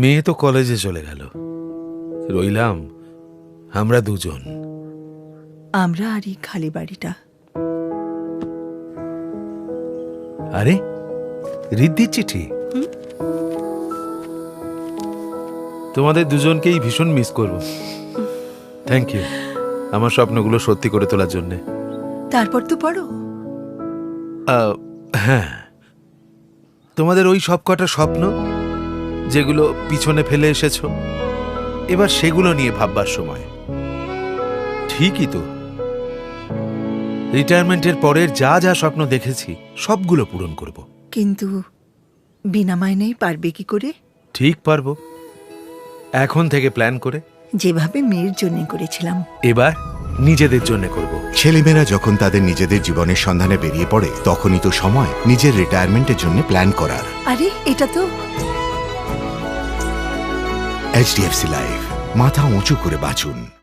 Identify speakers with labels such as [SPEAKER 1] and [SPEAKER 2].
[SPEAKER 1] মেয়ে তো কলেজে চলে গেল, রইলাম আমরা দুজন।
[SPEAKER 2] আমরা আর এই খালি বাড়িটা।
[SPEAKER 1] আরে রিদ্ধির চিঠি। তোমাদের দুজনকেই ভীষণ মিস করব। থ্যাংক ইউ আমার স্বপ্নগুলো সত্যি করে তোলার জন্যে।
[SPEAKER 2] তারপর তো পড়ো।
[SPEAKER 1] হ্যাঁ, তোমাদের ওই সব কটা স্বপ্ন যেগুলো পিছনে ফেলে এসেছো, এবার সেগুলো নিয়ে ভাববার সময়। ঠিকই তো, রিটায়ারমেন্টের পরের যা যা স্বপ্ন দেখেছি সবগুলো পূরণ করব।
[SPEAKER 2] কিন্তু বিনা মাইনেই পারবে কি করে?
[SPEAKER 1] ঠিক পারবো, এখন থেকে প্ল্যান করে।
[SPEAKER 2] যেভাবে মেয়ের জন্য করেছিলাম,
[SPEAKER 1] এবার নিজেদের জন্য করব।
[SPEAKER 3] ছেলেমেয়েরা যখন তাদের নিজেদের জীবনের সন্ধানে বেরিয়ে পড়ে, তখনই তো সময় নিজের রিটায়ারমেন্টের জন্য প্ল্যান করার।
[SPEAKER 2] আরে এটা তো
[SPEAKER 3] HDFC লাইফ, মাথা উঁচু করে বাঁচুন।